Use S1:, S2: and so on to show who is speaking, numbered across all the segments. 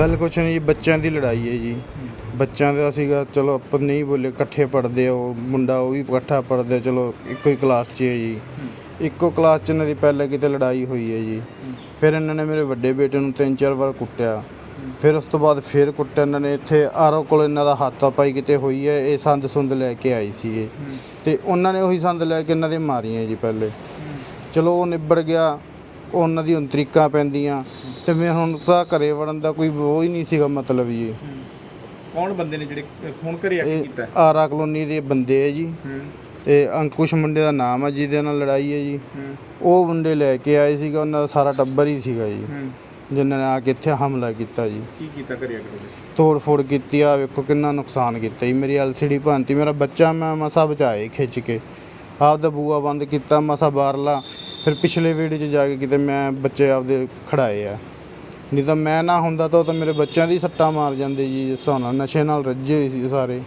S1: ਗੱਲ ਕੁਛ ਨਹੀਂ ਜੀ, ਬੱਚਿਆਂ ਦੀ ਲੜਾਈ ਹੈ ਜੀ। ਬੱਚਿਆਂ ਦਾ ਸੀਗਾ, ਚਲੋ ਆਪਾਂ ਨਹੀਂ ਬੋਲੇ, ਇਕੱਠੇ ਪੜ੍ਹਦੇ ਆ, ਉਹ ਮੁੰਡਾ ਉਹ ਵੀ ਇਕੱਠਾ ਪੜ੍ਹਦੇ, ਚਲੋ ਇੱਕੋ ਹੀ ਕਲਾਸ 'ਚ ਹੈ ਜੀ। ਇੱਕੋ ਕਲਾਸ 'ਚ ਇਹਨਾਂ ਦੀ ਪਹਿਲਾਂ ਕਿਤੇ ਲੜਾਈ ਹੋਈ ਹੈ ਜੀ। ਫਿਰ ਇਹਨਾਂ ਨੇ ਮੇਰੇ ਵੱਡੇ ਬੇਟੇ ਨੂੰ 3-4 ਵਾਰ ਕੁੱਟਿਆ। ਫਿਰ ਉਸ ਤੋਂ ਬਾਅਦ ਫਿਰ ਕੁੱਟਿਆ ਇਹਨਾਂ ਨੇ। ਇੱਥੇ ਆਰਓ ਕੋਲ ਇਹਨਾਂ ਦਾ ਹੱਥਾਪਾਈ ਕਿਤੇ ਹੋਈ ਹੈ। ਇਹ ਸੰਦ ਸੁੰਦ ਲੈ ਕੇ ਆਏ ਸੀਗੇ ਅਤੇ ਉਹਨਾਂ ਨੇ ਉਹੀ ਸੰਦ ਲੈ ਕੇ ਇਹਨਾਂ ਦੇ ਮਾਰੀਆਂ ਜੀ ਪਹਿਲੇ। ਚਲੋ ਉਹ ਨਿਬੜ ਗਿਆ, ਉਹਨਾਂ ਦੀ ਹੁਣ ਤਰੀਕਾਂ ਪੈਂਦੀਆਂ ਅਤੇ ਮੈਂ ਹੁਣ ਤਾਂ ਘਰੇ ਵੜਨ ਦਾ ਕੋਈ ਉਹ ਹੀ ਨਹੀਂ ਸੀਗਾ ਮਤਲਬ ਜੀ।
S2: ਕੌਣ ਬੰਦੇ ਨੇ ਜਿਹੜੇ ਫੋਨ ਘਰੇ ਆ ਕੇ ਕੀਤਾ?
S1: ਆਰਾ ਕਲੋਨੀ ਦੇ ਬੰਦੇ ਹੈ ਜੀ। ਇਹ ਅੰਕੁਸ਼ ਮੁੰਡੇ ਦਾ ਨਾਮ ਹੈ ਜਿਹਦੇ ਨਾਲ ਲੜਾਈ ਹੈ ਜੀ। ਉਹ ਮੁੰਡੇ ਲੈ ਕੇ ਆਏ ਸੀਗਾ, ਉਹਨਾਂ ਦਾ ਸਾਰਾ ਟੱਬਰ ਹੀ ਸੀਗਾ ਜੀ, ਜਿਨ੍ਹਾਂ ਨੇ ਆ ਕੇ ਇੱਥੇ ਹਮਲਾ ਕੀਤਾ ਜੀ।
S2: ਕੀ ਕੀਤਾ ਘਰੇ ਆ ਕੇ?
S1: ਤੋੜ ਫੋੜ ਕੀਤੀ ਆ, ਵੇਖੋ ਕਿੰਨਾ ਨੁਕਸਾਨ ਕੀਤਾ ਜੀ। ਮੇਰੀ LCD ਭੰਨਤੀ, ਮੇਰਾ ਬੱਚਾ ਮੈਂ ਮਸਾ ਬਚਾਏ ਖਿੱਚ ਕੇ, ਆਪਦਾ ਬੂਆ ਬੰਦ ਕੀਤਾ ਮਸਾ ਬਾਹਰਲਾ। ਫਿਰ ਪਿਛਲੇ ਵਿਹੜੇ 'ਚ ਜਾ ਕੇ ਕਿਤੇ ਮੈਂ ਬੱਚੇ ਆਪਦੇ ਖੜਾਏ ਆ, ਨਹੀਂ ਤਾਂ ਮੈਂ ਨਾ ਹੁੰਦਾ ਤਾਂ ਉਹ ਤਾਂ ਮੇਰੇ ਬੱਚਿਆਂ ਦੀ ਸੱਟਾਂ ਮਾਰ ਜਾਂਦੇ ਜੀ। ਜਿਸ ਹਿਸਾਬ ਨਾਲ ਨਸ਼ੇ ਨਾਲ ਰੱਜੇ ਹੋਏ ਸੀ ਸਾਰੇ।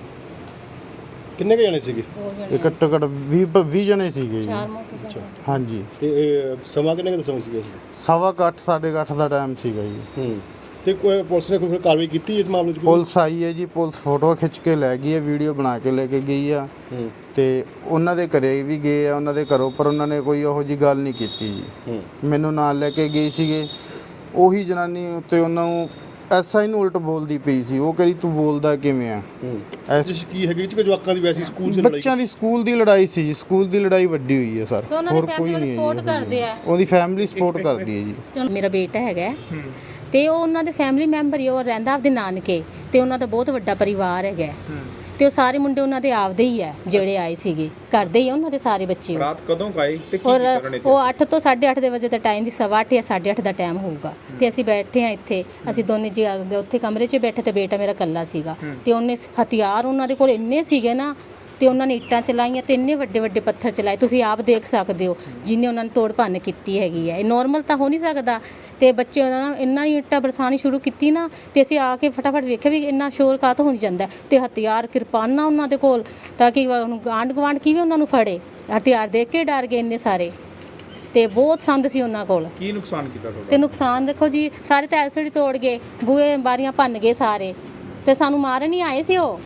S3: ਕਿੰਨੇ ਕੁ ਜਣੇ ਸੀਗੇ?
S1: ਇਹ ਘੱਟੋ ਘੱਟ 20 ਜਣੇ ਸੀਗੇ ਜੀ। ਹਾਂਜੀ।
S3: ਤੇ ਸਮਾਂ ਕਿੰਨੇ ਕੁ ਦੱਸੋ ਸੀਗਾ?
S1: 8:15 8:30 ਦਾ ਟਾਈਮ ਸੀਗਾ ਜੀ।
S3: ਤੇ ਕੋਈ ਪੁਲਿਸ ਨੇ ਕੋਈ ਕਾਰਵਾਈ ਕੀਤੀ ਇਸ ਮਾਮਲੇ 'ਚ?
S1: ਪੁਲਿਸ ਆਈ ਹੈ ਜੀ, ਪੁਲਿਸ ਫੋਟੋ ਖਿੱਚ ਕੇ ਲੈ ਗਈ ਹੈ, ਵੀਡੀਓ ਬਣਾ ਕੇ ਲੈ ਕੇ ਗਈ ਆ। ਤੇ ਉਹਨਾਂ ਦੇ ਘਰੇ ਵੀ ਗਏ ਆ, ਉਹਨਾਂ ਦੇ ਘਰੋਂ, ਪਰ ਉਹਨਾਂ ਨੇ ਕੋਈ ਉਹੋ ਜਿਹੀ ਗੱਲ ਨਹੀਂ ਕੀਤੀ ਜੀ। ਮੈਨੂੰ ਨਾਲ ਲੈ ਕੇ ਗਏ ਸੀਗੇ। ਉਹੀ ਜਨਾਨੀ ਉੱਤੇ ਉਹਨਾਂ ਨੂੰ SI ਨੂੰ ਉਲਟ ਬੋਲਦੀ ਪਈ ਸੀ। ਉਹ ਕਰੀ ਤੂੰ ਬੋਲਦਾ ਕਿਵੇਂ ਆ?
S3: ਕੀ ਹੈਗੀ ਕਿ ਜਵਾਕਾਂ ਦੀ ਵੈਸੀ ਸਕੂਲ 'ਚ ਲੜਾਈ?
S1: ਬੱਚਿਆਂ ਦੀ ਸਕੂਲ ਦੀ ਲੜਾਈ ਸੀ ਜੀ। ਸਕੂਲ ਦੀ ਲੜਾਈ ਵੱਡੀ ਹੋਈ ਹੈ ਸਰ, ਹੋਰ ਕੋਈ ਨਹੀਂ ਹੈ। ਉਹਦੀ ਫੈਮਿਲੀ ਸਪੋਰਟ ਕਰਦੀ ਹੈ ਜੀ।
S4: ਮੇਰਾ ਬੇਟਾ ਹੈਗਾ ਤੇ ਉਹ ਉਹਨਾਂ ਦੇ ਫੈਮਿਲੀ ਮੈਂਬਰ ਹੀ, ਉਹ ਰਹਿੰਦਾ ਆਪਦੇ ਨਾਨਕੇ, ਤੇ ਉਹਨਾਂ ਦਾ ਬਹੁਤ ਵੱਡਾ ਪਰਿਵਾਰ ਹੈਗਾ ਤੇ ਉਹ ਸਾਰੇ ਮੁੰਡੇ ਉਹਨਾਂ ਦੇ ਆਪਦੇ ਹੀ ਆ ਜਿਹੜੇ ਆਏ ਸੀਗੇ, ਕਰਦੇ ਹੀ ਉਹਨਾਂ ਦੇ ਸਾਰੇ ਬੱਚੇ।
S2: ਰਾਤ ਕਦੋਂ ਆਏ ਤੇ ਕੀ
S4: ਔਰ
S2: ਕਰਨੇ?
S4: ਉਹ 8 ਤੋਂ 8:30 ਦੇ ਵਜੇ ਦਾ ਟਾਈਮ ਦੀ 8:15 ਜਾਂ 8:30 ਦਾ ਟਾਈਮ ਹੋਊਗਾ ਤੇ ਅਸੀਂ ਬੈਠੇ ਆ ਇੱਥੇ। ਅਸੀਂ ਦੋਨੇ ਜੀ ਉੱਥੇ ਕਮਰੇ 'ਚ ਬੈਠੇ ਤੇ ਬੇਟਾ ਮੇਰਾ ਇਕੱਲਾ ਸੀਗਾ ਤੇ ਉਹਨੇ ਹਥਿਆਰ ਉਹਨਾਂ ਦੇ ਕੋਲ ਇੰਨੇ ਸੀਗੇ ਨਾ, ਤੇ ਉਹਨਾਂ ਨੇ ਇੱਟਾਂ ਚਲਾਈਆਂ ਤੇ ਇੰਨੇ ਵੱਡੇ ਵੱਡੇ ਪੱਥਰ ਚਲਾਏ, ਤੁਸੀਂ ਆਪ ਦੇਖ ਸਕਦੇ ਹੋ ਜਿੰਨੇ ਉਹਨਾਂ ਨੇ ਤੋੜ ਭੰਨ ਕੀਤੀ ਹੈਗੀ ਹੈ। ਇਹ ਨੋਰਮਲ ਤਾਂ ਹੋ ਨਹੀਂ ਸਕਦਾ। ਤੇ ਬੱਚੇ ਉਹਨਾਂ ਨੇ ਇੰਨਾ ਹੀ ਇੱਟਾਂ ਬਰਸਾਉਣੀ ਸ਼ੁਰੂ ਕੀਤੀ ਨਾ, ਤੇ ਅਸੀਂ ਆ ਕੇ ਫਟਾਫਟ ਵੇਖਿਆ ਵੀ ਇੰਨਾ ਸ਼ੋਰ ਕਾਹਤੋਂ ਹੋ ਜਾਂਦਾ। ਤੇ ਹਥਿਆਰ ਕਿਰਪਾਨਾਂ ਉਹਨਾਂ ਦੇ ਕੋਲ, ਤਾਂ ਕਿ ਆਂਢ ਗੁਆਂਢ ਕਿਵੇਂ ਉਹਨਾਂ ਨੂੰ ਫੜੇ। ਹਥਿਆਰ ਦੇਖ ਕੇ ਡਰ ਗਏ ਇੰਨੇ ਸਾਰੇ, ਤੇ ਬਹੁਤ ਸੰਦ ਸੀ ਉਹਨਾਂ ਕੋਲ।
S2: ਕੀ ਨੁਕਸਾਨ ਕੀਤਾ ਤੁਹਾਡਾ?
S4: ਤੇ ਨੁਕਸਾਨ ਦੇਖੋ ਜੀ, ਸਾਰੇ ਤਾਂ LCD ਤੋੜ ਗਏ, ਬੂਹੇ ਬਾਰੀਆਂ ਭੰਨ ਗਏ ਸਾਰੇ, ਤੇ ਸਾਨੂੰ ਮਾਰਨ ਹੀ ਆਏ ਸੀ ਉਹ।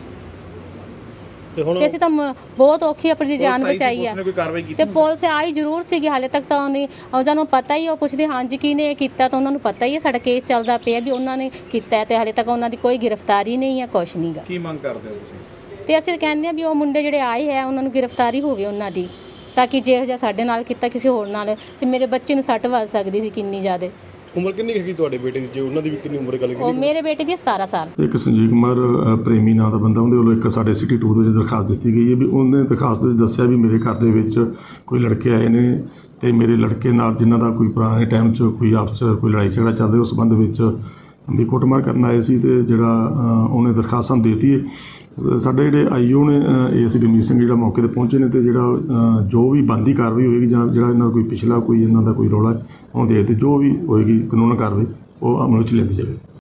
S4: ਤੇ ਅਸੀਂ ਤਾਂ ਬਹੁਤ ਔਖੀ ਆਪਣੀ ਜਾਨ ਬਚਾਈ ਆ। ਤੇ ਪੁਲਿਸ ਆਈ ਜ਼ਰੂਰ ਸੀਗੀ, ਹਾਲੇ ਤੱਕ ਤਾਂ ਉਹਨਾਂ ਨੂੰ ਪਤਾ ਹੀ, ਉਹ ਪੁੱਛਦੇ ਹਾਂਜੀ ਕਿਹਨੇ ਇਹ ਕੀਤਾ, ਤਾਂ ਉਹਨਾਂ ਨੂੰ ਪਤਾ ਹੀ ਹੈ ਸਾਡਾ ਕੇਸ ਚੱਲਦਾ ਪਿਆ ਵੀ ਉਹਨਾਂ ਨੇ ਕੀਤਾ, ਤੇ ਹਾਲੇ ਤੱਕ ਉਹਨਾਂ ਦੀ ਕੋਈ ਗ੍ਰਿਫਤਾਰੀ ਨਹੀਂ ਹੈ, ਕੁਛ ਨਹੀਂ ਗਾ।
S2: ਕੀ ਮੰਗ ਕਰਦੇ ਹੋ ਤੁਸੀਂ?
S4: ਤੇ ਅਸੀਂ ਕਹਿੰਦੇ ਆ ਵੀ ਉਹ ਮੁੰਡੇ ਜਿਹੜੇ ਆਏ ਹੈ ਉਹਨਾਂ ਨੂੰ ਗ੍ਰਿਫਤਾਰੀ ਹੋਵੇ ਉਹਨਾਂ ਦੀ, ਤਾਂ ਕਿ ਜਿਹੋ ਜਿਹਾ ਸਾਡੇ ਨਾਲ ਕੀਤਾ ਕਿਸੇ ਹੋਰ ਨਾਲ, ਮੇਰੇ ਬੱਚੇ ਨੂੰ ਸੱਟ ਵੱਜ ਸਕਦੀ ਸੀ ਕਿੰਨੀ ਜ਼ਿਆਦਾ।
S3: ਉਮਰ ਕਿੰਨੀ ਹੈਗੀ ਤੁਹਾਡੇ ਬੇਟੇ ਦੀ? ਜੇ ਉਹਨਾਂ ਦੀ ਵੀ ਕਿੰਨੀ ਉਮਰ ਗੱਲ ਕੀਤੀ?
S4: ਉਹ ਮੇਰੇ ਬੇਟੇ ਦੀ 17 ਸਾਲ।
S5: ਇੱਕ ਸੰਜੀਵ ਕੁਮਾਰ ਪ੍ਰੇਮੀ ਨਾਂ ਦਾ ਬੰਦਾ, ਉਹਦੇ ਵੱਲੋਂ ਇੱਕ ਸਾਡੇ ਸਿਟੀ 2 ਦੇ ਵਿੱਚ ਦਰਖਾਸਤ ਦਿੱਤੀ ਗਈ ਹੈ ਵੀ ਉਹਨੇ ਦਰਖਾਸਤ ਵਿੱਚ ਦੱਸਿਆ ਵੀ ਮੇਰੇ ਘਰ ਦੇ ਵਿੱਚ ਕੋਈ ਲੜਕੇ ਆਏ ਨੇ ਤੇ ਮੇਰੇ ਲੜਕੇ ਨਾਲ ਜਿਨ੍ਹਾਂ ਦਾ ਕੋਈ ਪੁਰਾਣੇ ਟਾਈਮ 'ਚ ਕੋਈ ਆਪਸ 'ਚ ਕੋਈ ਲੜਾਈ ਝਗੜਾ ਚੱਲਦਾ, ਉਸ ਸੰਬੰਧ ਵਿੱਚ ਵੀ ਕੁੱਟਮਾਰ ਕਰਨ ਆਏ ਸੀ। ਤੇ ਜਿਹੜਾ ਉਹਨੇ ਦਰਖਾਸਤ ਸਾਨੂੰ ਦੇ ਦਿੱਤੀ ਹੈ। ਸਾਡੇ ਜਿਹੜੇ IO ਨੇ ASI ਰਮੀਤ ਸਿੰਘ ਜਿਹੜਾ ਮੌਕੇ 'ਤੇ ਪਹੁੰਚੇ ਨੇ, ਤੇ ਜਿਹੜਾ ਜੋ ਵੀ ਬਣਦੀ ਕਾਰਵਾਈ ਹੋਏਗੀ ਜਾਂ ਜਿਹੜਾ ਇਹਨਾਂ ਦਾ ਕੋਈ ਪਿਛਲਾ ਕੋਈ ਇਹਨਾਂ ਦਾ ਕੋਈ ਰੌਲਾ ਉਹਨੂੰ ਦੇਖਦੇ ਜੋ ਵੀ ਹੋਏਗੀ ਕਾਨੂੰਨ ਕਾਰਵਾਈ ਉਹ ਅਮਲ ਵਿੱਚ ਲੈਂਦੀ ਜਾਵੇ।